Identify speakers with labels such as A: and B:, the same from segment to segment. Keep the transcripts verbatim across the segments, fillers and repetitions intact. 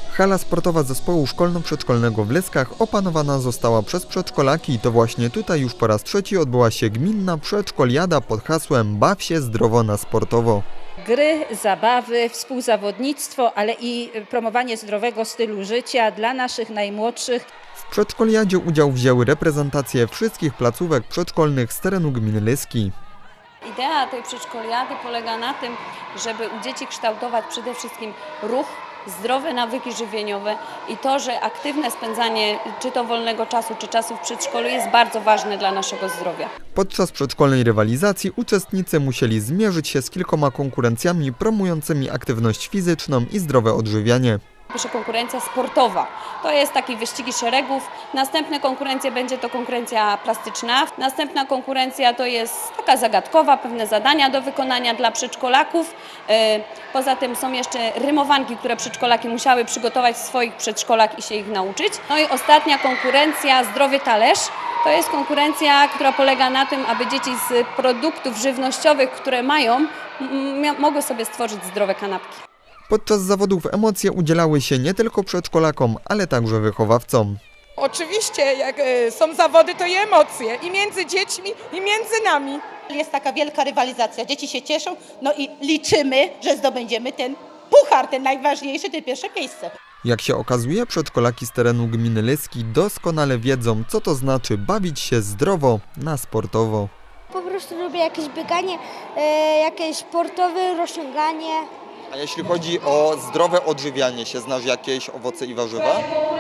A: Hala sportowa zespołu szkolno-przedszkolnego w Leskach opanowana została przez przedszkolaki i to właśnie tutaj już po raz trzeci odbyła się gminna przedszkoliada pod hasłem Baw się zdrowo na sportowo.
B: Gry, zabawy, współzawodnictwo, ale i promowanie zdrowego stylu życia dla naszych najmłodszych.
A: W przedszkoliadzie udział wzięły reprezentacje wszystkich placówek przedszkolnych z terenu gminy Leski.
C: Idea tej przedszkoliady polega na tym, żeby u dzieci kształtować przede wszystkim ruch, zdrowe nawyki żywieniowe i to, że aktywne spędzanie czy to wolnego czasu, czy czasu w przedszkolu jest bardzo ważne dla naszego zdrowia.
A: Podczas przedszkolnej rywalizacji uczestnicy musieli zmierzyć się z kilkoma konkurencjami promującymi aktywność fizyczną i zdrowe odżywianie.
C: Pierwsza konkurencja sportowa, to jest taki wyścigi szeregów, następna konkurencja będzie to konkurencja plastyczna, następna konkurencja to jest taka zagadkowa, pewne zadania do wykonania dla przedszkolaków. Poza tym są jeszcze rymowanki, które przedszkolaki musiały przygotować w swoich przedszkolach i się ich nauczyć. No i ostatnia konkurencja Zdrowy Talerz, to jest konkurencja, która polega na tym, aby dzieci z produktów żywnościowych, które mają, mogły sobie stworzyć zdrowe kanapki.
A: Podczas zawodów emocje udzielały się nie tylko przedszkolakom, ale także wychowawcom.
D: Oczywiście, jak są zawody, to i emocje i między dziećmi, i między nami.
E: Jest taka wielka rywalizacja, dzieci się cieszą, no i liczymy, że zdobędziemy ten puchar, ten najważniejszy, te pierwsze miejsce.
A: Jak się okazuje, przedszkolaki z terenu gminy Leski doskonale wiedzą, co to znaczy bawić się zdrowo na sportowo.
F: Po prostu lubię jakieś bieganie, jakieś sportowe rozciąganie.
A: A jeśli chodzi o zdrowe odżywianie się, znasz jakieś owoce i warzywa?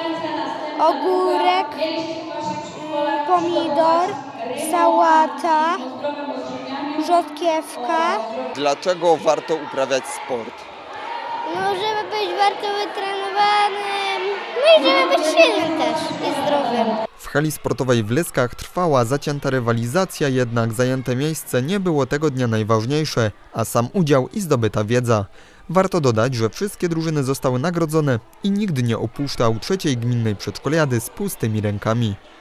F: Ogórek, pomidor, sałata, rzodkiewka.
A: Dlaczego warto uprawiać sport?
F: No, żeby być bardzo wytrenowanym, no i żeby być silnym też i zdrowym.
A: W hali sportowej w Leskach trwała zacięta rywalizacja, jednak zajęte miejsce nie było tego dnia najważniejsze, a sam udział i zdobyta wiedza. Warto dodać, że wszystkie drużyny zostały nagrodzone i nikt nie opuszczał trzeciej gminnej przedszkoliady z pustymi rękami.